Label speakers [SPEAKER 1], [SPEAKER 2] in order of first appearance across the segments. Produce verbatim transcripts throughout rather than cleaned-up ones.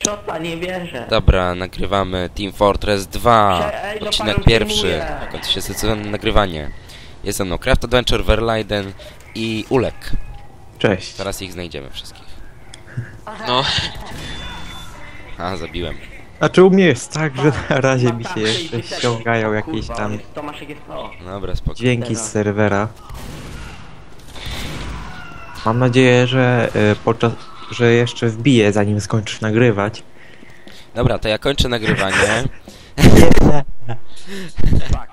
[SPEAKER 1] Headshota, nie wierzę.
[SPEAKER 2] Dobra, nagrywamy Team Fortress dwa,
[SPEAKER 1] Prze- ej, no
[SPEAKER 2] odcinek
[SPEAKER 1] panią
[SPEAKER 2] pierwszy,
[SPEAKER 1] filmuję.
[SPEAKER 2] kończy się sezon nagrywanie. Jest ze mną Craft Adventure, Verlaiden i Ulek.
[SPEAKER 3] Cześć.
[SPEAKER 2] Teraz ich znajdziemy wszystkich.
[SPEAKER 4] No,
[SPEAKER 2] A, zabiłem.
[SPEAKER 3] Znaczy u mnie jest tak, że na razie mi się
[SPEAKER 1] Tam
[SPEAKER 3] jeszcze
[SPEAKER 1] sześćdziesiąt.
[SPEAKER 3] ściągają jakieś
[SPEAKER 1] Kurwa,
[SPEAKER 3] tam
[SPEAKER 1] jest- Tomaszek jest to.
[SPEAKER 2] Dobra, spoko.
[SPEAKER 3] dźwięki z serwera. Mam nadzieję, że y, podczas, że jeszcze wbiję zanim skończysz nagrywać.
[SPEAKER 2] Dobra, to ja kończę nagrywanie.
[SPEAKER 1] Fuck.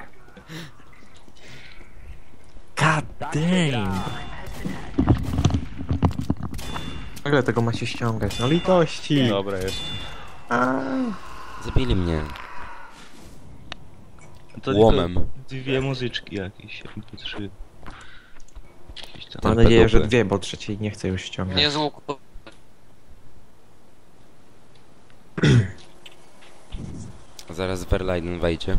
[SPEAKER 3] God
[SPEAKER 1] Tak się
[SPEAKER 3] damn.
[SPEAKER 1] gra.
[SPEAKER 3] Nagle tego ma się ściągać, no litości.
[SPEAKER 5] Dobra, jest.
[SPEAKER 3] A,
[SPEAKER 2] Zabili mnie.
[SPEAKER 5] To
[SPEAKER 2] Łomem.
[SPEAKER 5] tylko Dwie muzyczki jakieś, jakby trzy. Jakieś tam.
[SPEAKER 3] mam
[SPEAKER 2] Ten
[SPEAKER 3] nadzieję, że
[SPEAKER 2] pedupy.
[SPEAKER 3] dwie, bo trzeciej nie chcę już ściągać.
[SPEAKER 4] nie z łuku.
[SPEAKER 2] Zaraz Verlaiden wejdzie.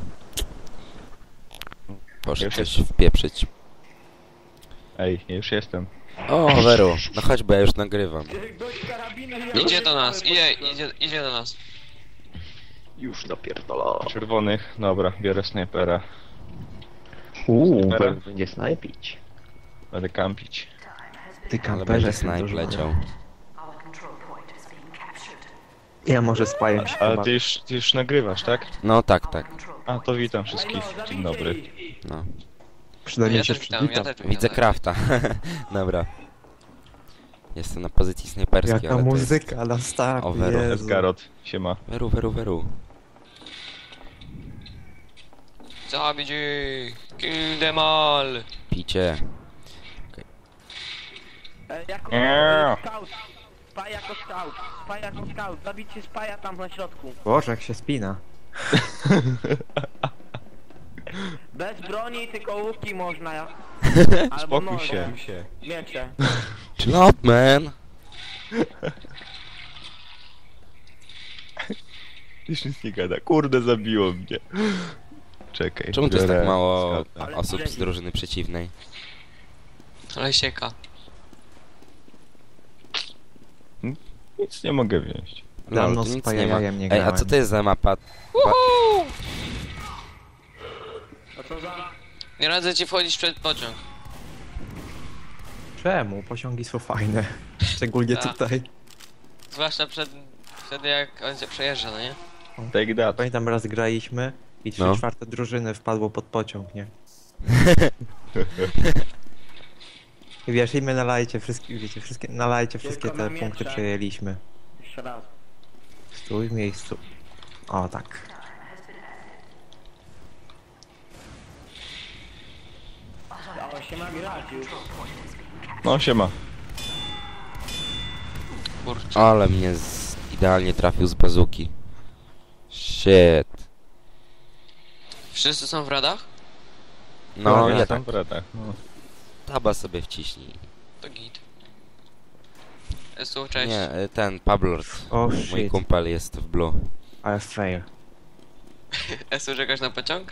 [SPEAKER 2] Proszę
[SPEAKER 5] Już
[SPEAKER 2] coś
[SPEAKER 5] jestem.
[SPEAKER 2] wpieprzyć.
[SPEAKER 5] Ej, ja już jestem.
[SPEAKER 2] O, Veru, no chodź, bo ja już nagrywam.
[SPEAKER 1] Gość karabinem i
[SPEAKER 4] Idzie do
[SPEAKER 1] cały
[SPEAKER 4] nas,
[SPEAKER 1] pod-
[SPEAKER 4] idzie, idzie, idzie do nas.
[SPEAKER 3] Już dopierdolę.
[SPEAKER 5] Czerwonych, dobra, biorę snajpera.
[SPEAKER 3] Uuu,
[SPEAKER 5] Snajpera.
[SPEAKER 3] będzie snajpić.
[SPEAKER 5] Będę kampić.
[SPEAKER 3] Ty
[SPEAKER 2] Ale
[SPEAKER 3] kamperze,
[SPEAKER 2] będzie
[SPEAKER 3] jestem
[SPEAKER 2] snipe
[SPEAKER 3] dużo-
[SPEAKER 2] leciał.
[SPEAKER 3] Ja może spaję się
[SPEAKER 5] Ale
[SPEAKER 3] chyba.
[SPEAKER 5] ty już, ty już nagrywasz, tak?
[SPEAKER 2] No tak, tak.
[SPEAKER 5] A, to witam wszystkich. Dzień dobry.
[SPEAKER 2] No.
[SPEAKER 3] Przynajmniej
[SPEAKER 4] Ja
[SPEAKER 3] się
[SPEAKER 4] też witam, ja
[SPEAKER 3] przywitam.
[SPEAKER 4] też witam.
[SPEAKER 2] Widzę Crafta. Dobra. Jestem na pozycji snajperskiej,
[SPEAKER 3] Jaka
[SPEAKER 2] ale to jest...
[SPEAKER 3] muzyka na start,
[SPEAKER 2] Overall.
[SPEAKER 3] Jezu.
[SPEAKER 5] Esgarot, siema.
[SPEAKER 2] Veru, Veru, Veru.
[SPEAKER 4] Zabić ich! Kill them all!
[SPEAKER 2] Picie.
[SPEAKER 1] E, Jako
[SPEAKER 5] Eee.
[SPEAKER 1] scout. Spaj jako scout. Spaj jako scout. Zabicie spaja tam na środku.
[SPEAKER 3] Boże, jak się spina.
[SPEAKER 1] Bez broni, tylko łuki można. ja- Albo
[SPEAKER 5] Spokój
[SPEAKER 1] noże.
[SPEAKER 5] się.
[SPEAKER 1] Miecze.
[SPEAKER 2] Chill out, man.
[SPEAKER 5] Już nic nie gada. Kurde, zabiło mnie. Czekaj.
[SPEAKER 2] Czemu to jest
[SPEAKER 5] biorę
[SPEAKER 2] tak mało
[SPEAKER 5] skauta.
[SPEAKER 1] Ale
[SPEAKER 2] osób z
[SPEAKER 1] leci.
[SPEAKER 2] drużyny przeciwnej?
[SPEAKER 4] Ale sieka.
[SPEAKER 5] Nic nie mogę wziąć.
[SPEAKER 3] Dawno
[SPEAKER 2] Lol, tu
[SPEAKER 3] z
[SPEAKER 2] nic nie ma.
[SPEAKER 3] pajajajem nie
[SPEAKER 2] Ej, a
[SPEAKER 3] grałem.
[SPEAKER 2] co to jest za mapa?
[SPEAKER 1] A co za...
[SPEAKER 4] Nie radzę ci wchodzić przed pociąg.
[SPEAKER 3] Czemu? Pociągi są fajne. Szczególnie
[SPEAKER 4] Tak.
[SPEAKER 3] tutaj.
[SPEAKER 4] Zwłaszcza przed, wtedy jak on się przejeżdża, no nie?
[SPEAKER 5] Take that.
[SPEAKER 3] Pamiętam raz graliśmy i trzy
[SPEAKER 2] No.
[SPEAKER 3] czwarte drużyny wpadło pod pociąg, nie? I wiesz, i my na lajcie wszystkie, wiecie, wszystkie, na lajcie wszystkie
[SPEAKER 1] Tylko
[SPEAKER 3] te
[SPEAKER 1] na
[SPEAKER 3] punkty
[SPEAKER 1] miecze.
[SPEAKER 3] przejęliśmy.
[SPEAKER 1] Jeszcze raz.
[SPEAKER 3] Stój w miejscu. O, tak.
[SPEAKER 1] Dało się ma grać już.
[SPEAKER 5] No, siema.
[SPEAKER 4] Kurczę.
[SPEAKER 2] Ale mnie z... idealnie trafił z bazuki. Shit.
[SPEAKER 4] Wszyscy są w radach?
[SPEAKER 2] No,
[SPEAKER 5] ja
[SPEAKER 2] ja
[SPEAKER 5] tam
[SPEAKER 2] tak.
[SPEAKER 5] w radach. No.
[SPEAKER 2] Taba sobie wciśnij.
[SPEAKER 4] To git. Esu, cześć.
[SPEAKER 2] Nie, y, ten, Pablord.
[SPEAKER 3] O,
[SPEAKER 2] Mój
[SPEAKER 3] shit.
[SPEAKER 2] kumpel jest w blue.
[SPEAKER 3] Ale fail.
[SPEAKER 4] Esu, czekasz na pociąg?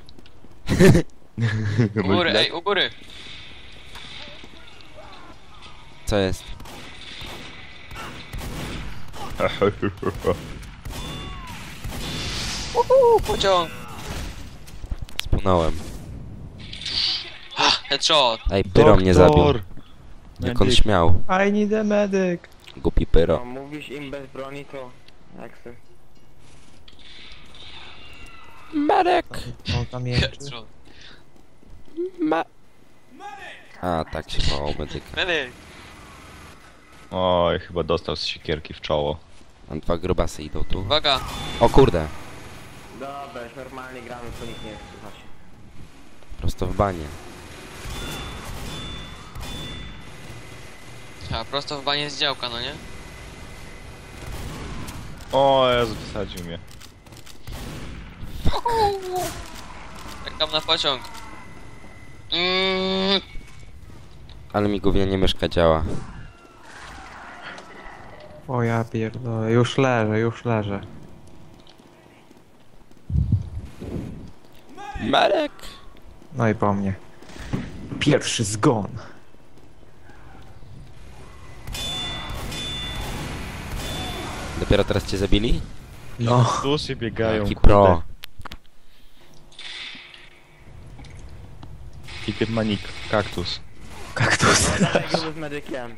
[SPEAKER 4] U góry, ej, u góry!
[SPEAKER 2] Co jest?
[SPEAKER 4] Uhu, pociąg!
[SPEAKER 2] Spłynąłem.
[SPEAKER 4] Ha, headshot!
[SPEAKER 2] Ej, Pyro mnie zabił.
[SPEAKER 5] Doktor!
[SPEAKER 2] Jak on
[SPEAKER 5] Medyk.
[SPEAKER 2] śmiał.
[SPEAKER 3] I need a medic.
[SPEAKER 2] Głupi
[SPEAKER 1] No,
[SPEAKER 2] Pyro.
[SPEAKER 1] mówisz im bez broni, to... Jak se...
[SPEAKER 2] Marek!
[SPEAKER 3] On tam jęczy.
[SPEAKER 4] Headshot.
[SPEAKER 2] Ma... A, tak się wołał medyk.
[SPEAKER 4] Medyk!
[SPEAKER 5] Oj, chyba dostał z siekierki w czoło.
[SPEAKER 2] Mam dwa grubasy idą tu.
[SPEAKER 4] Uwaga!
[SPEAKER 2] O kurde.
[SPEAKER 1] Dobra, już normalnie gramy, to nikt nie słucha się.
[SPEAKER 2] Prosto w banie.
[SPEAKER 4] A, prosto w banie z działka, no nie?
[SPEAKER 5] O Jezu, wysadził mnie.
[SPEAKER 4] Czekam na pociąg. Mm,
[SPEAKER 2] Ale mi gównianie myszka działa.
[SPEAKER 3] O ja pierdolę, już leżę, już leżę.
[SPEAKER 2] Marek!
[SPEAKER 3] No i po mnie. Pierwszy zgon.
[SPEAKER 2] Gdyby dopiero teraz cię zabili?
[SPEAKER 3] No,
[SPEAKER 5] Dusy biegają,
[SPEAKER 2] Jaki
[SPEAKER 5] kurde.
[SPEAKER 2] pro.
[SPEAKER 5] Ticket manik, kaktus.
[SPEAKER 3] kaktus.
[SPEAKER 1] Dawaj gruby z medykiem.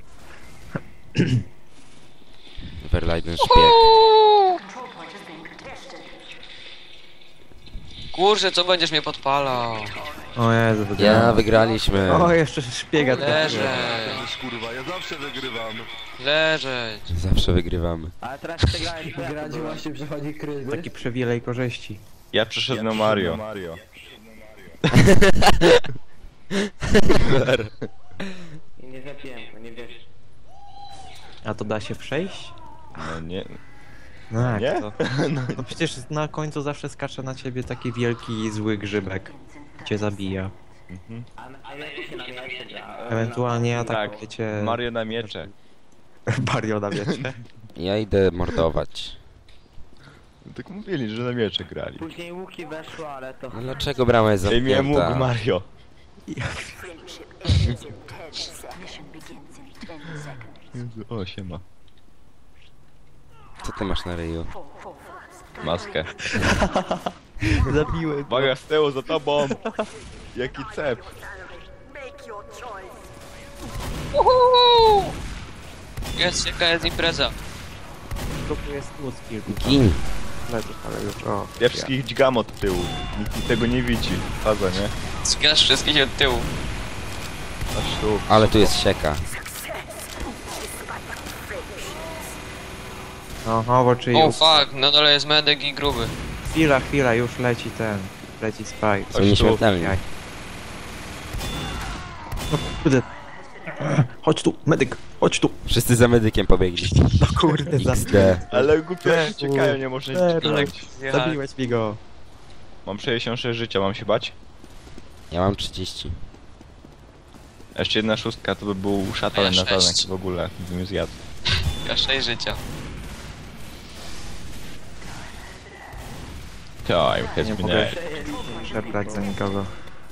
[SPEAKER 2] Verlaiden szpieg.
[SPEAKER 4] Kurczę, co będziesz mnie podpalał?
[SPEAKER 3] O Jezu,
[SPEAKER 2] Ja,
[SPEAKER 3] wygrałem.
[SPEAKER 2] wygraliśmy.
[SPEAKER 3] O, jeszcze szpiega trafiłem.
[SPEAKER 4] Leżeć,
[SPEAKER 6] Kurwa, ja zawsze wygrywam.
[SPEAKER 4] leżeć.
[SPEAKER 2] Zawsze wygrywamy.
[SPEAKER 1] Ale teraz przegrałeś, to ja to byłem.
[SPEAKER 7] przechodzi kryzys.
[SPEAKER 3] Taki przywilej korzyści.
[SPEAKER 5] Ja przeszedłem na Mario.
[SPEAKER 1] I nie zapiłem go, nie wiesz.
[SPEAKER 3] A to da się przejść?
[SPEAKER 5] No nie.
[SPEAKER 3] No jak
[SPEAKER 5] Nie?
[SPEAKER 3] to? No przecież na końcu zawsze skacze na ciebie taki wielki, zły grzybek. Cię zabija.
[SPEAKER 1] A, a jak się na mnie gra?
[SPEAKER 3] Ewentualnie
[SPEAKER 5] Tak,
[SPEAKER 3] atakujecie...
[SPEAKER 5] Mario na miecze.
[SPEAKER 3] Mario na wiecie.
[SPEAKER 2] Ja idę mordować.
[SPEAKER 5] Tak mówili, że na miecze grali.
[SPEAKER 1] Później łuki weszło, ale to...
[SPEAKER 2] No dlaczego brama jest
[SPEAKER 5] Ej, mnie mógł
[SPEAKER 2] zamknięta?
[SPEAKER 5] Mario. Jezu, o, siema.
[SPEAKER 2] Co ty masz na ryju?
[SPEAKER 5] Maskę.
[SPEAKER 3] Zabiłem.
[SPEAKER 5] Uwaga, z tyłu, za tobą! Jaki cep.
[SPEAKER 4] Jest, jaka jest impreza?
[SPEAKER 3] To tu jest ludzki.
[SPEAKER 2] Gin.
[SPEAKER 3] Ale już, o.
[SPEAKER 5] Ja wszystkich dźgam od tyłu. Nikt tego nie widzi. Faza, nie?
[SPEAKER 4] Zginasz wszystkich od tyłu.
[SPEAKER 5] Aż tu.
[SPEAKER 2] Ale tu jest sieka.
[SPEAKER 3] Oho, bo czyli...
[SPEAKER 4] O fuck, na dole jest medyk i gruby.
[SPEAKER 3] Chwila, chwila, już leci ten. Leci Spike.
[SPEAKER 2] Są nieśmiertelni.
[SPEAKER 3] Jaj. No kurde. Chodź tu, medyk, chodź tu.
[SPEAKER 2] Wszyscy za medykiem pobiegli.
[SPEAKER 3] No kurde,
[SPEAKER 2] X
[SPEAKER 3] zabiłeś.
[SPEAKER 2] D.
[SPEAKER 5] Ale głupio
[SPEAKER 3] Eee,
[SPEAKER 5] ciekają, nie można
[SPEAKER 3] eee,
[SPEAKER 5] się dźgnąć.
[SPEAKER 3] Zabiłeś mi go.
[SPEAKER 5] Mam sześćdziesiąt sześć życia, mam się bać?
[SPEAKER 2] Ja mam trzydzieści.
[SPEAKER 5] Jeszcze jedna szóstka to by był
[SPEAKER 4] A
[SPEAKER 5] szatan
[SPEAKER 4] ja
[SPEAKER 5] na
[SPEAKER 4] sześć.
[SPEAKER 5] tanek w ogóle, bym ją zjadł.
[SPEAKER 4] Ja sześć życia.
[SPEAKER 5] Time
[SPEAKER 3] Nie
[SPEAKER 5] has been
[SPEAKER 3] mogę
[SPEAKER 5] ended.
[SPEAKER 3] przebrać za nikogo.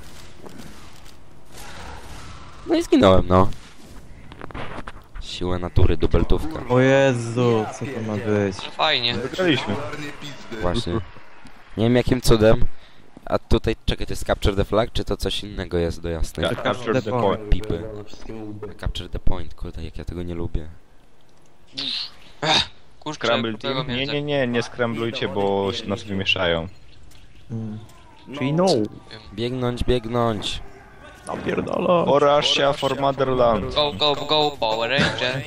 [SPEAKER 2] No i zginąłem, no. Siła natury, dubeltówka.
[SPEAKER 3] O Jezu, co to ma być?
[SPEAKER 4] Ale fajnie.
[SPEAKER 5] Wygraliśmy.
[SPEAKER 6] Czarnie pizdy.
[SPEAKER 2] Właśnie. Nie wiem jakim cudem. A tutaj, czekaj, to jest Capture the Flag, czy to coś innego jest do jasnej?
[SPEAKER 5] Ja, capture the point.
[SPEAKER 2] Pipy. Capture the Point, kurde, jak ja tego nie lubię.
[SPEAKER 4] Kurczę,
[SPEAKER 5] Scramble
[SPEAKER 4] tego
[SPEAKER 5] team? Nie,
[SPEAKER 4] mięsa.
[SPEAKER 5] nie, nie, nie skramblujcie, bo nas wymieszają.
[SPEAKER 3] Hmm. Czyli no.
[SPEAKER 2] Biegnąć, biegnąć.
[SPEAKER 3] Napierdolo.
[SPEAKER 5] Orasia for Motherland.
[SPEAKER 4] Go, go, go, Power Ranger.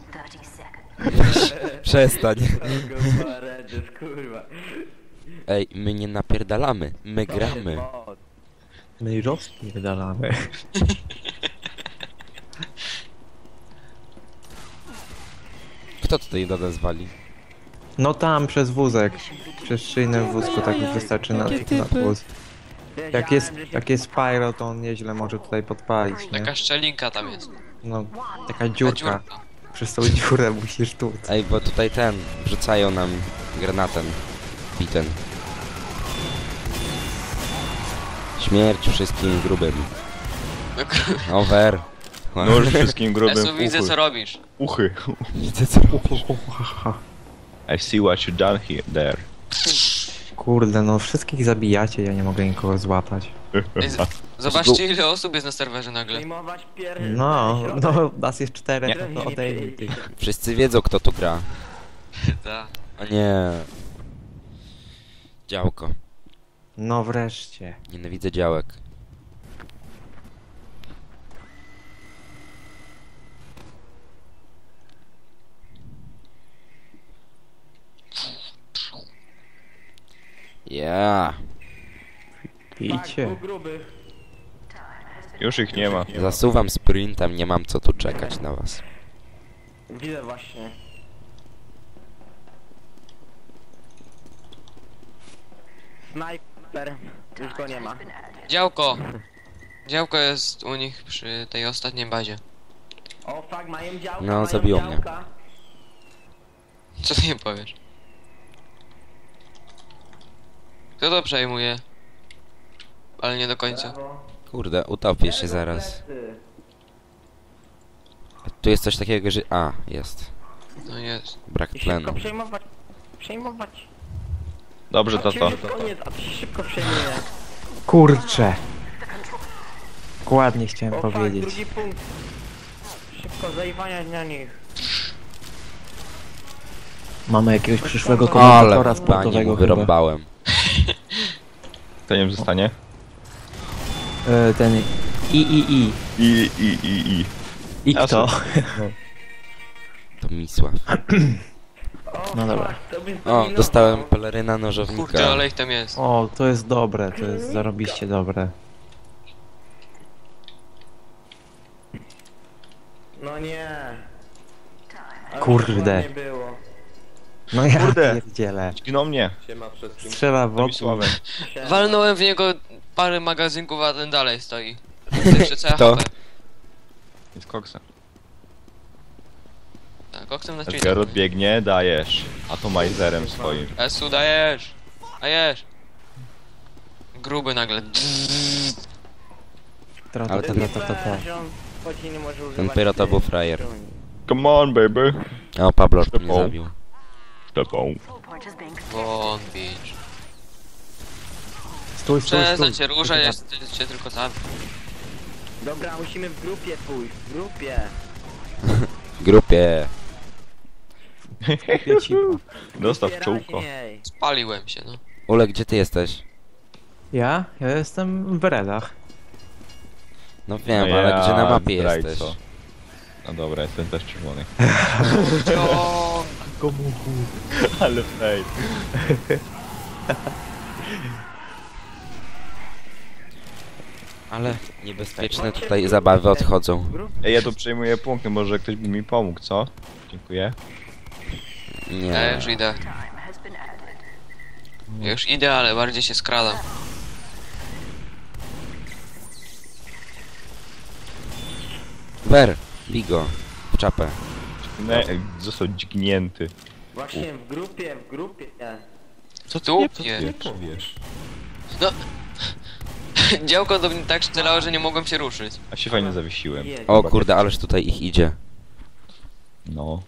[SPEAKER 2] Przestań.
[SPEAKER 1] Rangers, kurwa.
[SPEAKER 2] Ej, my nie napierdalamy, my gramy.
[SPEAKER 3] My rozpierdalamy.
[SPEAKER 2] Kto tutaj do nas wali?
[SPEAKER 3] No tam, przez wózek. Przez szynę w wózku, tak już wystarczy na, na wóz. Jak jest, jak jest pyro, to on nieźle może tutaj podpalić, nie?
[SPEAKER 4] Taka szczelinka tam jest.
[SPEAKER 3] No, taka
[SPEAKER 4] Taka
[SPEAKER 3] dziurka.
[SPEAKER 4] dziurka.
[SPEAKER 3] Przez tą dziurę musisz tu.
[SPEAKER 2] Ej, bo tutaj ten, wrzucają nam granatem. Biten. Śmierć wszystkim grubym. Over.
[SPEAKER 5] Nóż wszystkim grubym
[SPEAKER 4] Esu,
[SPEAKER 5] w
[SPEAKER 4] widzę co
[SPEAKER 5] uchy.
[SPEAKER 4] robisz.
[SPEAKER 5] Uchy.
[SPEAKER 2] Widzę co robisz.
[SPEAKER 5] I see what you done here, there.
[SPEAKER 3] Kurde, no wszystkich zabijacie, ja nie mogę nikogo złapać.
[SPEAKER 4] Ej, z- Zobaczcie ile osób jest na serwerze nagle.
[SPEAKER 1] Zajmować pier...
[SPEAKER 3] No, no, nas jest czterech,
[SPEAKER 1] Nie.
[SPEAKER 3] no to odejmij ty.
[SPEAKER 2] Wszyscy wiedzą kto tu gra.
[SPEAKER 4] Ta.
[SPEAKER 2] A nie. Działko.
[SPEAKER 3] No wreszcie.
[SPEAKER 2] Nienawidzę działek. Ja.
[SPEAKER 3] Pijcie.
[SPEAKER 1] Tak, gruby.
[SPEAKER 5] Już ich nie ma.
[SPEAKER 2] Zasuwam sprintem, nie mam co tu czekać na was.
[SPEAKER 1] Widzę właśnie. Snajper. Już go nie ma.
[SPEAKER 4] Działko. Działko jest u nich przy tej ostatniej bazie.
[SPEAKER 1] O fuck, mają działka,
[SPEAKER 2] No,
[SPEAKER 1] mają
[SPEAKER 2] zabiło mnie.
[SPEAKER 1] działka.
[SPEAKER 4] Co ty nie powiesz? Kto to przejmuje? Ale nie do końca.
[SPEAKER 1] Brawo.
[SPEAKER 2] Kurde, utopię się zaraz.
[SPEAKER 1] Plecy.
[SPEAKER 2] Tu jest coś takiego, że... A, jest.
[SPEAKER 4] No jest.
[SPEAKER 2] Brak
[SPEAKER 1] I szybko
[SPEAKER 2] tlenu.
[SPEAKER 1] przejmować. Przejmować.
[SPEAKER 5] Dobrze, to
[SPEAKER 1] A ci
[SPEAKER 5] to.
[SPEAKER 1] już koniec, a to się szybko przejmuje.
[SPEAKER 3] Kurczę. Ładnie chciałem
[SPEAKER 1] O fuck,
[SPEAKER 3] powiedzieć.
[SPEAKER 1] drugi punkt. Szybko zajwania na nich.
[SPEAKER 3] Mamy jakiegoś przyszłego
[SPEAKER 2] Ale
[SPEAKER 3] komentatora
[SPEAKER 2] w bani
[SPEAKER 3] sportowego
[SPEAKER 2] mu
[SPEAKER 3] chyba.
[SPEAKER 2] wyrąbałem.
[SPEAKER 5] To nie wiem, zostanie.
[SPEAKER 3] E, ten I I I.
[SPEAKER 5] I, i, i, i.
[SPEAKER 3] I
[SPEAKER 5] Ja
[SPEAKER 3] kto?
[SPEAKER 2] To Misław.
[SPEAKER 1] O,
[SPEAKER 3] No dobra.
[SPEAKER 1] fuck, to by
[SPEAKER 2] O,
[SPEAKER 1] zdominował.
[SPEAKER 2] dostałem peleryna
[SPEAKER 4] Kurde,
[SPEAKER 2] nożownika.
[SPEAKER 4] ale ich tam jest.
[SPEAKER 3] O, to jest dobre, to jest zarobiście dobre.
[SPEAKER 1] No nie. Ale
[SPEAKER 3] Kurde.
[SPEAKER 1] Nie było.
[SPEAKER 3] No ja
[SPEAKER 5] Kurde.
[SPEAKER 3] pierdzielę.
[SPEAKER 5] Zginął mnie.
[SPEAKER 3] Strzela w
[SPEAKER 5] To mi
[SPEAKER 3] oko.
[SPEAKER 5] sławę.
[SPEAKER 4] Walnąłem w niego parę magazynków, a ten dalej stoi. Jeszcze całe
[SPEAKER 2] Kto?
[SPEAKER 4] H P.
[SPEAKER 5] Jest koksa.
[SPEAKER 4] Tak, koksem na cheatem.
[SPEAKER 5] Edgar odbiegnie, dajesz. Atomizerem swoim.
[SPEAKER 4] Esu, dajesz! Dajesz! Gruby nagle.
[SPEAKER 3] Tra,
[SPEAKER 2] Ale
[SPEAKER 3] tra,
[SPEAKER 2] ten-
[SPEAKER 3] tra, tra, tra.
[SPEAKER 1] Że on chodzi, nie może
[SPEAKER 2] Ten
[SPEAKER 1] używać
[SPEAKER 2] pyro to
[SPEAKER 1] tej
[SPEAKER 2] był frajer.
[SPEAKER 1] broni.
[SPEAKER 5] Come on, baby.
[SPEAKER 2] O, Pablo mnie
[SPEAKER 5] Szybko.
[SPEAKER 2] zabił.
[SPEAKER 5] Tepą.
[SPEAKER 4] Won beach.
[SPEAKER 3] Stój, stój,
[SPEAKER 4] Przestań
[SPEAKER 3] stój.
[SPEAKER 4] się ruszać, ja cię tylko zabiję.
[SPEAKER 1] Dobra, musimy w grupie pójść, w grupie.
[SPEAKER 2] Grupie.
[SPEAKER 3] Kupię ci.
[SPEAKER 5] Dostaw
[SPEAKER 1] Grupie
[SPEAKER 5] czołko.
[SPEAKER 1] raźniej.
[SPEAKER 4] Spaliłem się, no.
[SPEAKER 2] Ule, gdzie ty jesteś?
[SPEAKER 3] Ja? Ja jestem w Redach.
[SPEAKER 2] No wiem,
[SPEAKER 5] No
[SPEAKER 2] ale
[SPEAKER 5] ja,
[SPEAKER 2] gdzie na mapie
[SPEAKER 5] zdrajco.
[SPEAKER 2] jesteś?
[SPEAKER 5] No dobra, jestem też czerwony.
[SPEAKER 4] Ciąg!
[SPEAKER 5] Ale fej.
[SPEAKER 2] Ale niebezpieczne tutaj zabawy odchodzą.
[SPEAKER 5] Ej, ja tu przejmuję punkty, może ktoś by mi pomógł, co? Dziękuję.
[SPEAKER 4] Ja
[SPEAKER 2] Nie.
[SPEAKER 4] już idę. Ja już idę, ale bardziej się skradam.
[SPEAKER 2] Wer, Bigo, w czapę.
[SPEAKER 5] Ne, został dźgnięty.
[SPEAKER 1] Właśnie w grupie, w grupie.
[SPEAKER 4] Co ty łupnie?
[SPEAKER 5] powiesz.
[SPEAKER 4] No. Działko do mnie tak strzelało, że nie mogłem się ruszyć.
[SPEAKER 5] A się fajnie zawiesiłem.
[SPEAKER 1] Jest.
[SPEAKER 2] O kurde, ależ tutaj ich idzie.
[SPEAKER 5] No.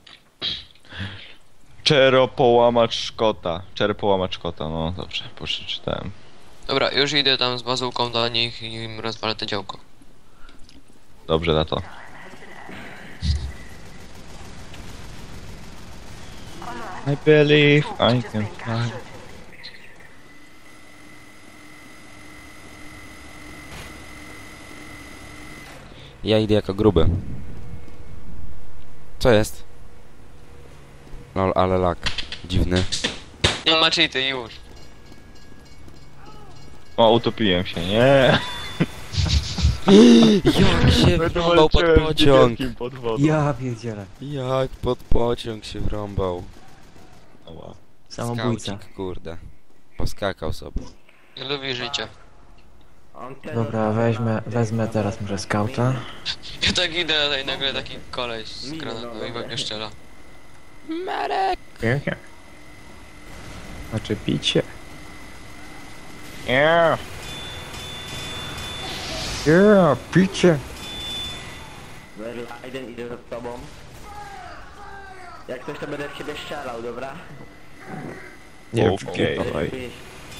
[SPEAKER 5] Czero połamacz Szkota. Czero połamacz Szkota, no dobrze, przeczytałem.
[SPEAKER 4] Dobra, już idę tam z bazułką do nich i im rozwalę to działko.
[SPEAKER 5] Dobrze, na to. I believe I can fly.
[SPEAKER 2] Ja idę jako gruby. Co jest? Lol, ale lak. Dziwny.
[SPEAKER 4] No ma cheaty już.
[SPEAKER 5] O, utopiłem się, nie.
[SPEAKER 2] Jak się wrąbał pod pociąg.
[SPEAKER 5] Pod wodą.
[SPEAKER 3] Ja pierdzielę.
[SPEAKER 2] Jak pod pociąg się wrąbał.
[SPEAKER 5] Ała.
[SPEAKER 3] Samobójca.
[SPEAKER 2] Skaucik, kurde. Poskakał sobie.
[SPEAKER 4] Nie lubi życia.
[SPEAKER 1] On teraz-
[SPEAKER 3] Dobra, weźmę, wezmę teraz może skauta.
[SPEAKER 4] Ja tak idę, a i nagle taki koleś z granatą i we mnie strzela.
[SPEAKER 3] Znaczy picie.
[SPEAKER 5] Yeah.
[SPEAKER 3] Yeah, picie.
[SPEAKER 1] Verlaiden idę za tobą. Jak coś to będę w ciebie strzelał, dobra?
[SPEAKER 3] Nie,
[SPEAKER 5] Okej.
[SPEAKER 3] okay.
[SPEAKER 1] Wiesz.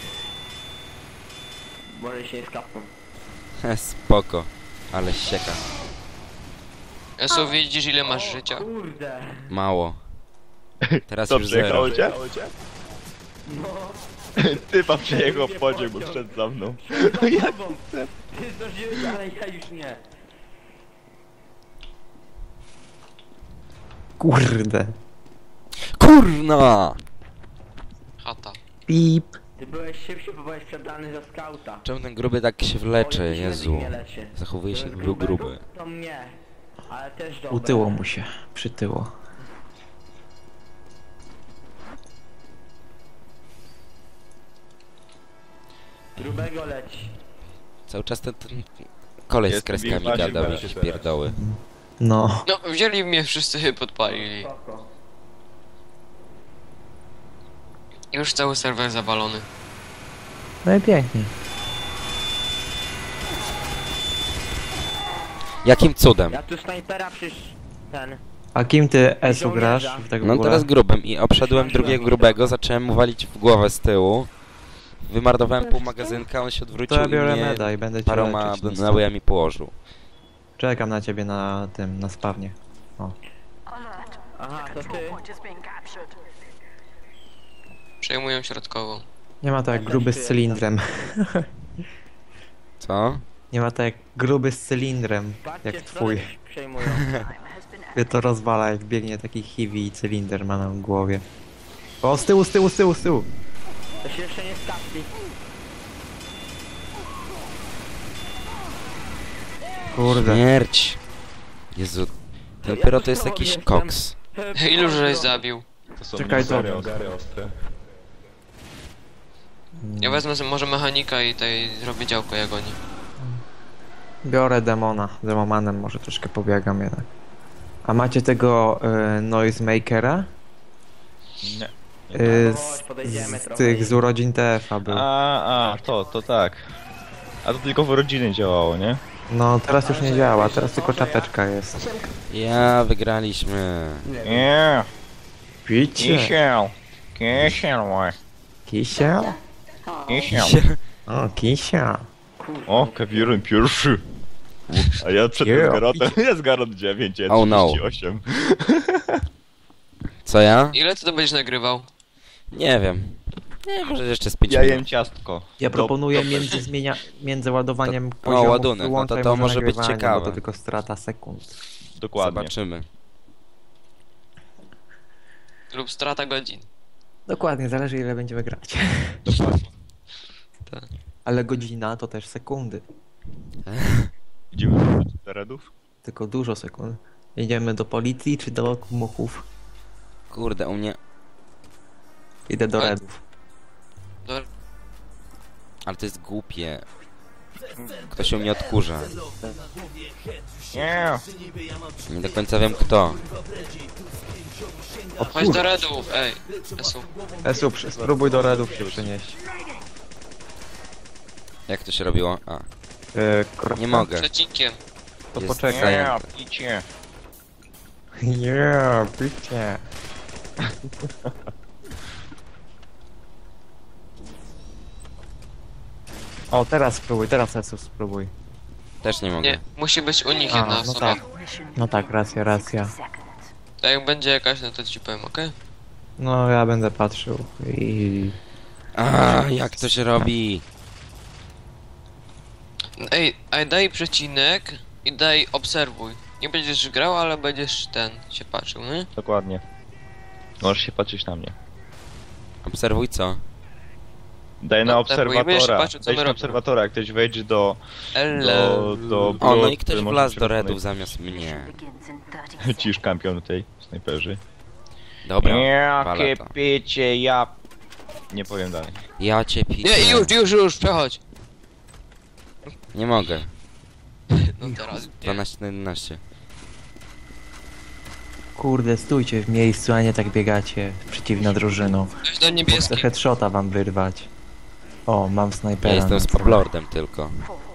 [SPEAKER 1] Może się nie skapną.
[SPEAKER 2] He, spoko. Ale sieka.
[SPEAKER 4] Esu, widzisz ile masz życia?
[SPEAKER 1] Kurde.
[SPEAKER 2] Mało. Teraz
[SPEAKER 5] Co,
[SPEAKER 2] już zero.
[SPEAKER 5] przyjechało cię?
[SPEAKER 1] No.
[SPEAKER 5] Typa przejechał pociąg, bo szedł za mną.
[SPEAKER 1] No jak? Ty zdążyłeś, ale ja już nie.
[SPEAKER 3] Kurde.
[SPEAKER 2] Kurna!
[SPEAKER 4] Chata.
[SPEAKER 3] Pip.
[SPEAKER 1] Ty byłeś szybszy, bo byłeś przebrany za skauta.
[SPEAKER 2] Czemu ten gruby tak się wlecze,
[SPEAKER 1] Oj,
[SPEAKER 2] Jezu?
[SPEAKER 1] nie leczy.
[SPEAKER 2] Zachowuje się
[SPEAKER 1] To
[SPEAKER 2] jak
[SPEAKER 1] jest
[SPEAKER 2] był
[SPEAKER 1] grubego,
[SPEAKER 2] gruby.
[SPEAKER 1] To mnie. Ale też dobre.
[SPEAKER 3] Utyło mu się. Przytyło.
[SPEAKER 1] Grubego leci.
[SPEAKER 2] Cały czas ten, ten koleś z
[SPEAKER 5] Jest
[SPEAKER 2] kreskami
[SPEAKER 5] Big Mac,
[SPEAKER 2] gadał
[SPEAKER 5] się
[SPEAKER 2] jakieś
[SPEAKER 5] teraz.
[SPEAKER 2] pierdoły.
[SPEAKER 3] No.
[SPEAKER 4] No, wzięli mnie wszyscy podpalili.
[SPEAKER 1] Spoko.
[SPEAKER 4] Już cały serwer zawalony.
[SPEAKER 3] No i pięknie.
[SPEAKER 2] Jakim cudem?
[SPEAKER 1] Ja tu snajpera przysz... ten...
[SPEAKER 3] A kim ty Esu grasz?
[SPEAKER 1] Żołnierza.
[SPEAKER 3] W tak w
[SPEAKER 2] No
[SPEAKER 3] ogóle?
[SPEAKER 2] teraz grubym i obszedłem drugiego grubego, zacząłem mu walić w głowę z tyłu. Wymardowałem pół magazynka, on się odwrócił
[SPEAKER 3] To ja
[SPEAKER 2] i
[SPEAKER 3] biorę
[SPEAKER 2] mnie
[SPEAKER 3] meda i będę cię
[SPEAKER 2] paroma
[SPEAKER 3] leczyć. no.
[SPEAKER 2] nabojami położył.
[SPEAKER 3] Czekam na ciebie na tym, na spawnie.
[SPEAKER 1] Aha, to ty.
[SPEAKER 4] Przejmują środkową.
[SPEAKER 3] Nie ma tak jak gruby z cylindrem.
[SPEAKER 2] Co?
[SPEAKER 3] Nie ma tak jak gruby z cylindrem,
[SPEAKER 1] Patrzcie,
[SPEAKER 3] jak
[SPEAKER 1] co
[SPEAKER 3] twój.
[SPEAKER 1] przejmują.
[SPEAKER 3] Mnie to rozwala, jak biegnie taki hiwi i cylinder ma na głowie. O, z tyłu, z tyłu, z tyłu, z tyłu!
[SPEAKER 1] To się jeszcze nie skapli.
[SPEAKER 3] Kurde.
[SPEAKER 2] Śmierć! Jezu, ten pyro to jest jakiś koks.
[SPEAKER 4] Ilu żeś zabił?
[SPEAKER 5] To są
[SPEAKER 3] Czekaj, to-
[SPEAKER 5] ostre, ostre, ostre.
[SPEAKER 4] Ja wezmę sobie może mechanika i tutaj zrobię działko jak oni.
[SPEAKER 3] Biorę demona. Demomanem może troszkę pobiegam jednak. A macie tego y, noisemakera?
[SPEAKER 5] Nie.
[SPEAKER 3] Y,
[SPEAKER 1] Chodź,
[SPEAKER 3] z,
[SPEAKER 1] podejdziemy
[SPEAKER 3] z
[SPEAKER 1] trochę
[SPEAKER 3] tych
[SPEAKER 1] i-
[SPEAKER 3] z urodzin T F a był.
[SPEAKER 5] A, a, to, to tak. A to tylko w rodziny działało, nie?
[SPEAKER 3] No teraz już nie działa, teraz tylko czapeczka jest.
[SPEAKER 2] Ja, wygraliśmy.
[SPEAKER 5] Nie,
[SPEAKER 3] Picie!
[SPEAKER 5] kisiel. Kisiel, mój.
[SPEAKER 3] Kisiel?
[SPEAKER 5] Kisiel.
[SPEAKER 3] O, kisia.
[SPEAKER 5] O, Kevin pierwszy. A ja przed
[SPEAKER 3] Yeah.
[SPEAKER 5] tym Garotem, jest Garot dziewięć, ja
[SPEAKER 2] Oh no.
[SPEAKER 5] trzydzieści osiem.
[SPEAKER 2] Co ja?
[SPEAKER 4] Ile ty to będziesz nagrywał?
[SPEAKER 2] Nie wiem. Nie, może jeszcze z pięć
[SPEAKER 5] Ja
[SPEAKER 2] minut.
[SPEAKER 5] jem ciastko.
[SPEAKER 3] Ja
[SPEAKER 5] Do-
[SPEAKER 3] proponuję
[SPEAKER 5] do-
[SPEAKER 3] między, zmienia, między ładowaniem
[SPEAKER 2] To- o,
[SPEAKER 3] poziomów
[SPEAKER 2] ładunek, no to
[SPEAKER 3] wyłączaj
[SPEAKER 2] to może być
[SPEAKER 3] nagrywanie,
[SPEAKER 2] ciekawe.
[SPEAKER 3] Bo to tylko strata sekund.
[SPEAKER 5] Dokładnie.
[SPEAKER 2] Zobaczymy.
[SPEAKER 4] Lub strata godzin.
[SPEAKER 3] Dokładnie, zależy ile będziemy grać.
[SPEAKER 5] Dokładnie.
[SPEAKER 3] Ale godzina to też sekundy.
[SPEAKER 5] Idziemy do terenów?
[SPEAKER 3] Tylko dużo sekund. Jedziemy do policji czy do muchów?
[SPEAKER 2] Kurde, u mnie...
[SPEAKER 3] Idę do
[SPEAKER 4] Ale-
[SPEAKER 3] redów.
[SPEAKER 4] Do...
[SPEAKER 2] Ale to jest głupie. Kto się u mnie odkurza.
[SPEAKER 5] Nie.
[SPEAKER 2] Nie do końca wiem kto.
[SPEAKER 3] O
[SPEAKER 4] Chodź do redów, ej. Esu.
[SPEAKER 3] Esu, przy- spróbuj do redów się przenieść.
[SPEAKER 2] Jak to się robiło? A,
[SPEAKER 3] Yy, kropka.
[SPEAKER 2] nie mogę.
[SPEAKER 4] Przecinkiem.
[SPEAKER 3] To
[SPEAKER 2] Jest
[SPEAKER 3] poczekaj.
[SPEAKER 2] zajęte.
[SPEAKER 5] Nie, picie.
[SPEAKER 3] Nie, picie. O, teraz spróbuj, teraz Esu spróbuj.
[SPEAKER 2] Też nie mogę.
[SPEAKER 4] Nie, musi być u nich
[SPEAKER 3] A,
[SPEAKER 4] jedna
[SPEAKER 3] no
[SPEAKER 4] osoba.
[SPEAKER 3] tak. No tak, racja, racja.
[SPEAKER 4] Tak jak będzie jakaś, no to ci powiem, okej?
[SPEAKER 3] No, ja będę patrzył i...
[SPEAKER 2] A, jak to się robi?
[SPEAKER 4] Ej, a daj przecinek i daj obserwuj. Nie będziesz grał, ale będziesz ten, się patrzył, nie?
[SPEAKER 5] Dokładnie. Możesz się patrzeć na mnie.
[SPEAKER 2] Obserwuj co?
[SPEAKER 5] Daj na
[SPEAKER 4] No, tak, bo ja będziesz
[SPEAKER 5] obserwatora.
[SPEAKER 4] patrzył, co
[SPEAKER 5] Daj
[SPEAKER 4] my
[SPEAKER 5] na
[SPEAKER 4] robimy.
[SPEAKER 5] obserwatora, jak ktoś wejdzie do...
[SPEAKER 4] Elle.
[SPEAKER 5] do... do
[SPEAKER 2] O, no
[SPEAKER 5] brud,
[SPEAKER 2] i ktoś
[SPEAKER 5] który może
[SPEAKER 2] wlazł do
[SPEAKER 5] przekonać-
[SPEAKER 2] redów zamiast mnie.
[SPEAKER 5] Cisz kampion tej snajperzy.
[SPEAKER 2] Dobra, wala
[SPEAKER 5] Jakie
[SPEAKER 2] to.
[SPEAKER 5] picie, ja... Nie powiem dalej.
[SPEAKER 2] Ja cię piję.
[SPEAKER 4] Nie, już, już, już, przechodź.
[SPEAKER 2] Nie mogę.
[SPEAKER 4] No teraz. Nie.
[SPEAKER 2] dwanaście na jedenaście.
[SPEAKER 3] Kurde, stójcie w miejscu, a nie tak biegacie przeciwną drużyną.
[SPEAKER 4] Weź do
[SPEAKER 3] Chcę
[SPEAKER 4] niebieskich.
[SPEAKER 3] headshota wam wyrwać. O, mam snajpera.
[SPEAKER 2] Ja jestem
[SPEAKER 3] na
[SPEAKER 2] z
[SPEAKER 3] celu.
[SPEAKER 2] Poplordem tylko.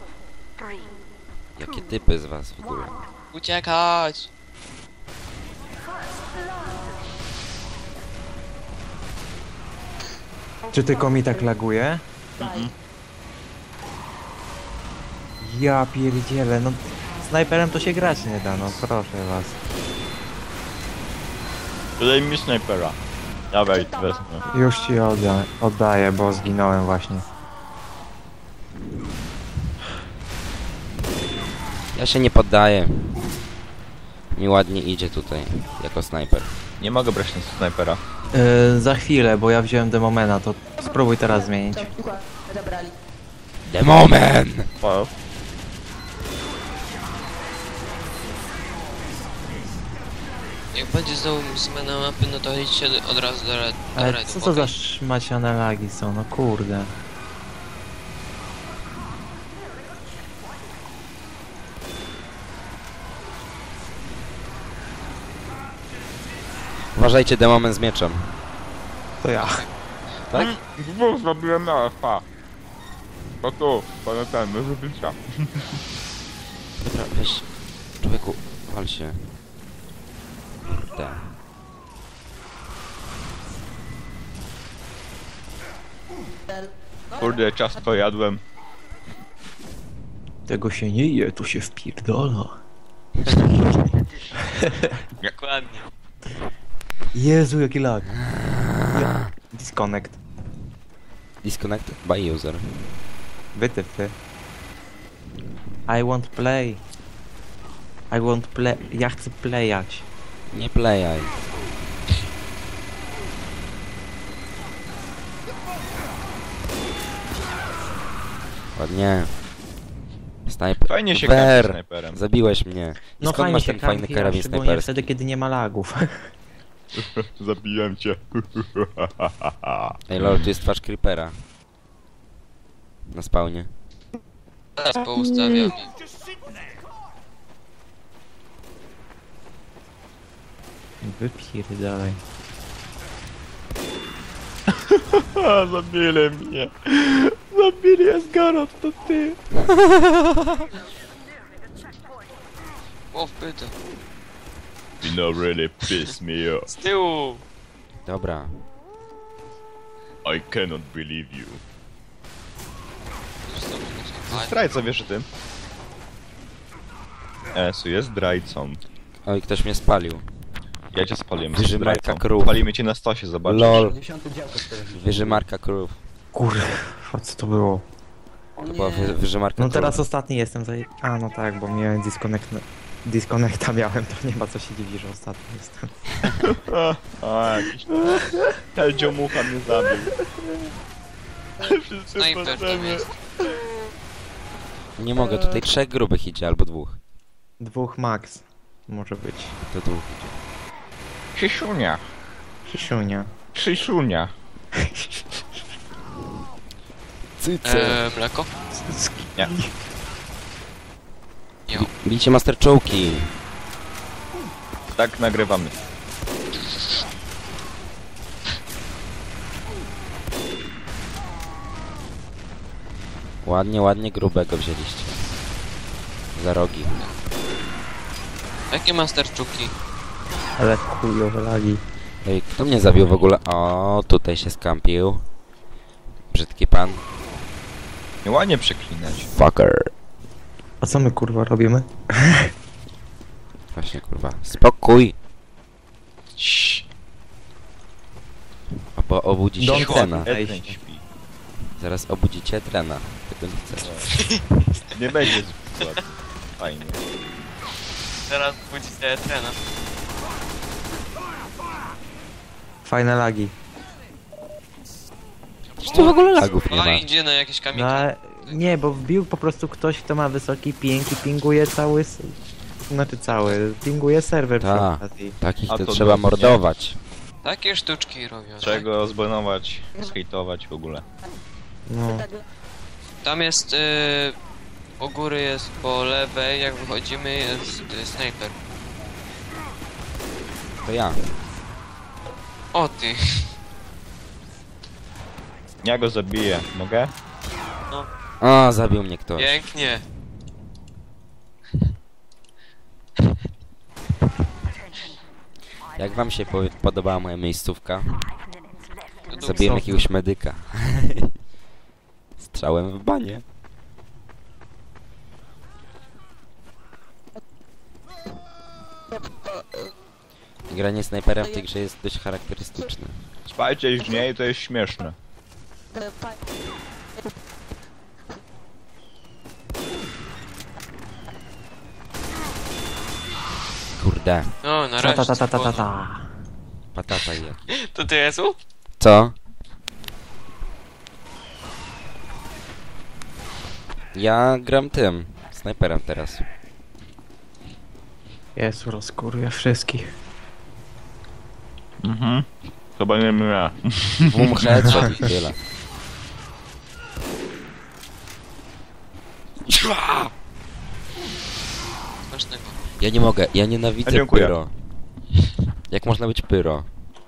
[SPEAKER 2] Jakie typy z was w ogóle?
[SPEAKER 4] Uciekać.
[SPEAKER 3] Czy tylko mi tak laguje? Ja pierdzielę, no snajperem to się grać nie da, no proszę was.
[SPEAKER 5] Daj mi snajpera. Dawaj, wezmę.
[SPEAKER 3] Już ci odda oddaję, bo zginąłem właśnie.
[SPEAKER 2] Ja się nie poddaję. Mi ładnie idzie tutaj, jako snajper.
[SPEAKER 5] Nie mogę brać na snajpera.
[SPEAKER 3] Yy, za chwilę, bo ja wziąłem demomena, to spróbuj teraz zmienić.
[SPEAKER 2] Demomen!
[SPEAKER 5] Wow.
[SPEAKER 4] Jak będzie znowu zmiana mapy, no to idźcie od razu do, red, do
[SPEAKER 3] Ale
[SPEAKER 4] redów,
[SPEAKER 3] co to za
[SPEAKER 4] okej?
[SPEAKER 3] szmaciane lagi są, no kurde.
[SPEAKER 2] Uważajcie, demomen z mieczem.
[SPEAKER 3] To ja.
[SPEAKER 2] Tak?
[SPEAKER 5] Dwóch zrobiłem na F A. Bo tu, pana ten, do zubycia.
[SPEAKER 2] Dobra, weź. Człowieku, wal się. Kurde.
[SPEAKER 5] Kurde, ciastko jadłem.
[SPEAKER 3] Tego się nie je, to się wpierdola.
[SPEAKER 4] Dokładnie.
[SPEAKER 3] Jezu, jaki lag. Disconnect.
[SPEAKER 2] Disconnected by user.
[SPEAKER 3] Wytyfy. I want play. I want play. Ja chcę playać.
[SPEAKER 2] Nie playaj. Ładnie. Snajper.
[SPEAKER 5] Fajnie się gra
[SPEAKER 2] Ber.
[SPEAKER 5] snajperem.
[SPEAKER 2] Zabiłeś mnie. I
[SPEAKER 3] No
[SPEAKER 2] skąd
[SPEAKER 3] fajnie
[SPEAKER 2] masz
[SPEAKER 3] się
[SPEAKER 2] ten fajny
[SPEAKER 3] kampi, a
[SPEAKER 2] karabin
[SPEAKER 3] szczególnie
[SPEAKER 2] snajperski?
[SPEAKER 3] wtedy, kiedy nie ma lagów.
[SPEAKER 5] Zabiłem cię.
[SPEAKER 2] Ej lol, tu jest twarz creepera. Na spawnie.
[SPEAKER 4] Teraz poustawiam.
[SPEAKER 3] Wypierdalaj.
[SPEAKER 5] A, zabili mnie. Zabili Asgarot, to ty.
[SPEAKER 4] O, wpyta.
[SPEAKER 5] You know really piss me off.
[SPEAKER 4] Z tyłu!
[SPEAKER 2] Dobra.
[SPEAKER 5] I cannot believe you.
[SPEAKER 4] Zostawiam na sobie.
[SPEAKER 5] Zdrajca, wiesz o tym? Esu jest zdrajcą.
[SPEAKER 2] Oj, ktoś mnie spalił.
[SPEAKER 5] Ja cię spaliłem,
[SPEAKER 2] Wyży
[SPEAKER 5] jesteś
[SPEAKER 2] Marka
[SPEAKER 5] zdrajcą.
[SPEAKER 2] Krów.
[SPEAKER 5] Spalimy cię na stosie, zobaczysz.
[SPEAKER 2] LOL. Wyżymarka krów.
[SPEAKER 3] Kurwa, co to było?
[SPEAKER 1] O
[SPEAKER 2] To była wy,
[SPEAKER 1] nie.
[SPEAKER 2] wyżymarka
[SPEAKER 3] No
[SPEAKER 2] krów.
[SPEAKER 3] teraz ostatni jestem za... A no tak, bo miałem disconnect... Disconnecta miałem, to nie ma co się dziwić, że ostatni jestem.
[SPEAKER 5] A, jakiś... Teldzio mucha mnie zabił. Wszyscy
[SPEAKER 4] Snajper tam
[SPEAKER 5] potrzemy.
[SPEAKER 4] jest.
[SPEAKER 2] Nie mogę, tutaj trzech grubych idzie, albo dwóch.
[SPEAKER 3] Dwóch max. Może być.
[SPEAKER 2] To dwóch idzie.
[SPEAKER 5] Krzysiunia.
[SPEAKER 3] Krzysiunia.
[SPEAKER 5] Krzysiunia.
[SPEAKER 4] Eee, mleko?
[SPEAKER 5] Nie.
[SPEAKER 4] Nie.
[SPEAKER 2] Bijcie master czołki.
[SPEAKER 5] Tak nagrywamy.
[SPEAKER 2] Ładnie, ładnie grubego wzięliście. Za rogi.
[SPEAKER 4] Jakie masterczuki?
[SPEAKER 3] Ale chujowe lagi.
[SPEAKER 2] Ej, kto mnie zabił w ogóle? O, tutaj się skampił. Brzydki pan.
[SPEAKER 5] Nie ładnie przeklinać.
[SPEAKER 2] Fucker.
[SPEAKER 3] A co my kurwa robimy?
[SPEAKER 2] Właśnie kurwa. Spokój.
[SPEAKER 5] Ciii.
[SPEAKER 2] Bo obudzicie
[SPEAKER 3] Don't
[SPEAKER 2] trena.
[SPEAKER 3] fuck.
[SPEAKER 5] Edwin śpi.
[SPEAKER 2] Zaraz obudzicie trena. Tego nie chcesz.
[SPEAKER 5] Nie będzie zbyt fajnie.
[SPEAKER 4] Teraz budzi się trena.
[SPEAKER 3] Fajne lagi.
[SPEAKER 2] Przecież tu w ogóle lagów nie
[SPEAKER 4] No
[SPEAKER 2] ma.
[SPEAKER 4] idzie na jakieś kamienie.
[SPEAKER 3] No ale... Nie, bo wbił po prostu ktoś, kto ma wysoki ping i pinguje cały... s- Znaczy cały, pinguje serwer przy
[SPEAKER 2] Ta.
[SPEAKER 3] okazji.
[SPEAKER 2] Takich
[SPEAKER 5] A
[SPEAKER 2] to
[SPEAKER 5] to
[SPEAKER 2] trzeba
[SPEAKER 5] dobrze, nie?
[SPEAKER 2] mordować.
[SPEAKER 4] Takie sztuczki robią.
[SPEAKER 5] Czego zbanować, zhejtować w ogóle.
[SPEAKER 3] No.
[SPEAKER 4] Tam jest... Y, u góry jest po lewej, jak wychodzimy jest y, snajper.
[SPEAKER 2] To ja.
[SPEAKER 4] O ty!
[SPEAKER 5] Ja go zabiję, mogę?
[SPEAKER 2] O, zabił mnie ktoś.
[SPEAKER 4] Pięknie!
[SPEAKER 2] Jak wam się po podobała moja miejscówka?
[SPEAKER 4] To
[SPEAKER 2] Zabiłem
[SPEAKER 3] co?
[SPEAKER 2] jakiegoś medyka. Strzałem w banie. Granie snajperem w tej grze jest dość charakterystyczne.
[SPEAKER 5] Spajcie już nie i to jest śmieszne.
[SPEAKER 2] Kurde,
[SPEAKER 4] No, na
[SPEAKER 3] Ta
[SPEAKER 4] razie.
[SPEAKER 3] ta ta ta ta ta ta.
[SPEAKER 2] patata i jak.
[SPEAKER 4] To ty Jezu?
[SPEAKER 2] Co? Ja gram tym, snajperem teraz.
[SPEAKER 3] Jezu, rozkurwia wszystkich.
[SPEAKER 5] Mhm. Chyba nie wiem ja.
[SPEAKER 2] Boom headshot i tyle.
[SPEAKER 4] Smacznego.
[SPEAKER 2] Ja nie mogę, ja nienawidzę
[SPEAKER 5] A, dziękuję.
[SPEAKER 2] pyro. Jak można być pyro?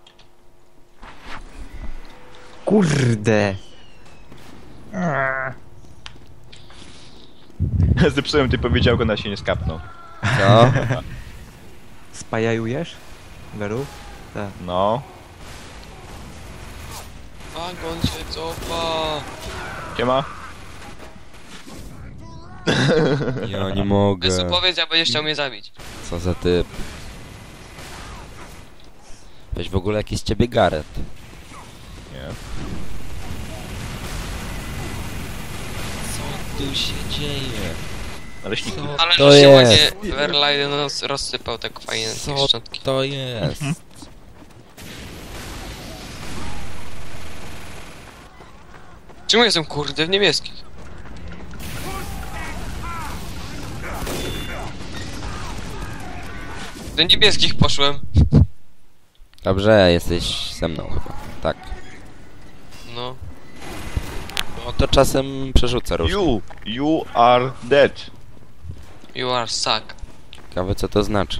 [SPEAKER 3] Kurde!
[SPEAKER 5] Zepsułem ty powiedziałko, na się nie skapnął.
[SPEAKER 2] Co?
[SPEAKER 3] Spajajujesz? Beru? Tak.
[SPEAKER 5] No.
[SPEAKER 4] Wagon się cofa.
[SPEAKER 5] Siema.
[SPEAKER 2] Ja nie mogę.
[SPEAKER 4] Jezu, powiedz, jak będziesz chciał mnie zabić.
[SPEAKER 2] Co za typ. Weź w ogóle jakiś z ciebie Gareth.
[SPEAKER 5] Nie.
[SPEAKER 2] Co tu się dzieje?
[SPEAKER 5] Naleśniki.
[SPEAKER 4] Ale
[SPEAKER 2] to
[SPEAKER 4] że się
[SPEAKER 2] jest?
[SPEAKER 4] ładnie Verlaine roz, rozsypał tak fajnie
[SPEAKER 2] Co
[SPEAKER 4] te szczątki.
[SPEAKER 2] to jest?
[SPEAKER 4] Czemu jestem kurde w niebieskich? Do niebieskich poszłem.
[SPEAKER 2] Dobrze, jesteś ze mną chyba. Tak.
[SPEAKER 4] No.
[SPEAKER 2] No to czasem przerzucę różnie.
[SPEAKER 5] You, you are dead.
[SPEAKER 4] You are suck.
[SPEAKER 2] Ciekawe co to znaczy.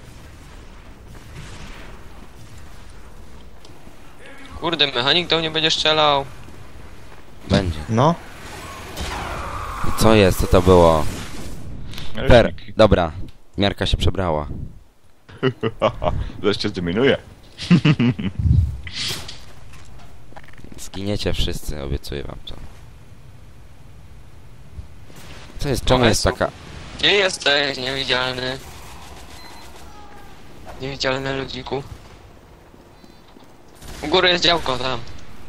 [SPEAKER 4] Kurde, mechanik do mnie będzie strzelał.
[SPEAKER 2] Będzie.
[SPEAKER 3] No.
[SPEAKER 2] Co jest? Co to było? Per.
[SPEAKER 5] Naleśniki.
[SPEAKER 2] Dobra. Miarka się przebrała.
[SPEAKER 5] Zaraz cię zdominuję.
[SPEAKER 2] Zginiecie wszyscy, obiecuję wam to. Co jest? Czemu
[SPEAKER 4] O,
[SPEAKER 2] jest
[SPEAKER 4] Jezu.
[SPEAKER 2] taka...
[SPEAKER 4] Gdzie jesteś, niewidzialny? Niewidzialny ludziku. U góry jest działko, tam.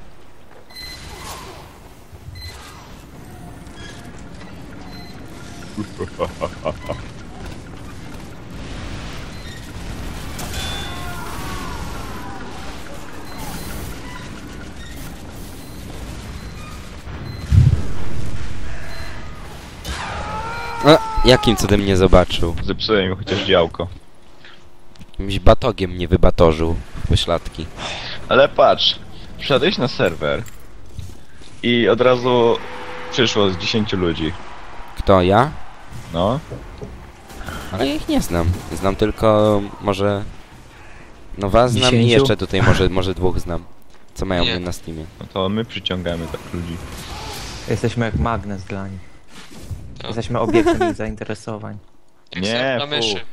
[SPEAKER 2] A, jakim cudem nie zobaczył?
[SPEAKER 5] Zepsułem mi chociaż działko.
[SPEAKER 2] Jakimś batogiem nie wybatorzył w pośladki.
[SPEAKER 5] Ale patrz, wszedłeś na serwer i od razu przyszło z dziesięciu ludzi.
[SPEAKER 2] Kto, ja?
[SPEAKER 5] No.
[SPEAKER 2] Ale ja ich nie znam. Znam tylko może... No was znam i
[SPEAKER 3] Dziesięciu?
[SPEAKER 2] jeszcze tutaj może, może dwóch znam. Co mają
[SPEAKER 4] Nie.
[SPEAKER 2] mnie na Steamie.
[SPEAKER 5] No to my przyciągamy tak ludzi.
[SPEAKER 3] Jesteśmy jak magnes dla nich.
[SPEAKER 4] No.
[SPEAKER 3] Jesteśmy obiektem ich zainteresowań.
[SPEAKER 4] Jak
[SPEAKER 5] Nie,
[SPEAKER 4] ser na
[SPEAKER 5] fu.
[SPEAKER 4] myszy.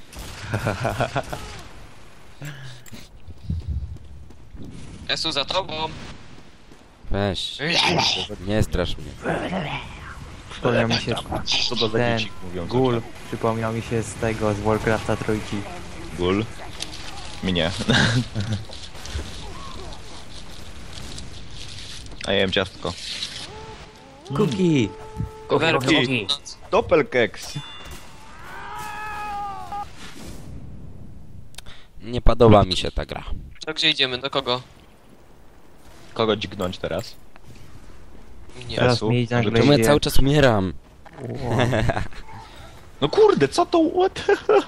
[SPEAKER 4] Jesu, za tobą.
[SPEAKER 2] Weź, nie strasz mnie.
[SPEAKER 3] Przypomniał mi się
[SPEAKER 5] Co to za
[SPEAKER 3] ten
[SPEAKER 5] dzieci mówią?
[SPEAKER 3] gul. Przypomniał mi się z tego, z Warcrafta trójki.
[SPEAKER 5] Gul? Mnie. A ja jem ciastko.
[SPEAKER 3] Cookie!
[SPEAKER 4] Werki.
[SPEAKER 5] Doppelkeks.
[SPEAKER 2] Nie podoba mi się ta gra.
[SPEAKER 4] To gdzie idziemy? Do kogo?
[SPEAKER 5] Kogo dźgnąć teraz?
[SPEAKER 4] Nie.
[SPEAKER 3] Teraz
[SPEAKER 5] Jesu,
[SPEAKER 3] mi
[SPEAKER 5] może
[SPEAKER 3] nagle
[SPEAKER 2] Czemu ja
[SPEAKER 3] idzie...
[SPEAKER 2] cały czas umieram?
[SPEAKER 3] Wow.
[SPEAKER 5] No kurde, co to? What?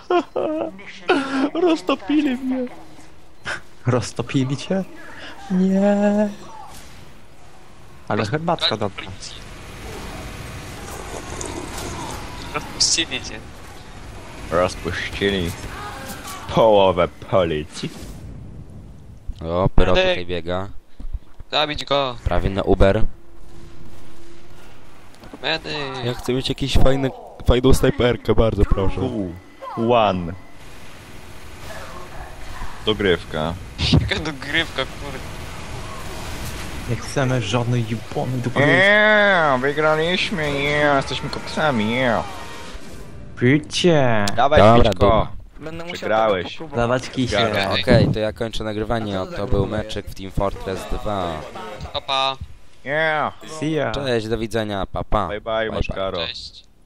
[SPEAKER 5] Roztopili mnie.
[SPEAKER 3] Roztopili cię? Nie. Ale herbatka dobra.
[SPEAKER 4] Rozpuścili cię.
[SPEAKER 5] Rozpuścili połowę policji.
[SPEAKER 2] O, Pyro
[SPEAKER 4] Ale-
[SPEAKER 2] tutaj biega.
[SPEAKER 4] Zabić go.
[SPEAKER 2] Prawie na Uber.
[SPEAKER 4] Medy.
[SPEAKER 2] Ja chcę mieć jakąś fajny, fajną snajperkę, bardzo proszę.
[SPEAKER 5] Two, one. Dogrywka.
[SPEAKER 4] Jaka dogrywka, kurde.
[SPEAKER 3] Nie chcemy żadnej jupony do
[SPEAKER 5] Yeah, wygraliśmy, yeah, jesteśmy koksami, yeah.
[SPEAKER 3] Picie!
[SPEAKER 5] Dawaj,
[SPEAKER 2] Dobra,
[SPEAKER 5] pićko.
[SPEAKER 2] dobra.
[SPEAKER 1] Będę musiał
[SPEAKER 5] Przegrałeś.
[SPEAKER 1] tego popróbować.
[SPEAKER 3] Dawać kisie.
[SPEAKER 5] Zgadza.
[SPEAKER 2] Okej, to ja kończę nagrywanie. Oto był meczek w Team Fortress dwa.
[SPEAKER 4] Papa.
[SPEAKER 5] Yeah.
[SPEAKER 3] See ya.
[SPEAKER 2] Cześć, do widzenia, pa pa.
[SPEAKER 5] Bye bye, Maszkaro.
[SPEAKER 4] Cześć.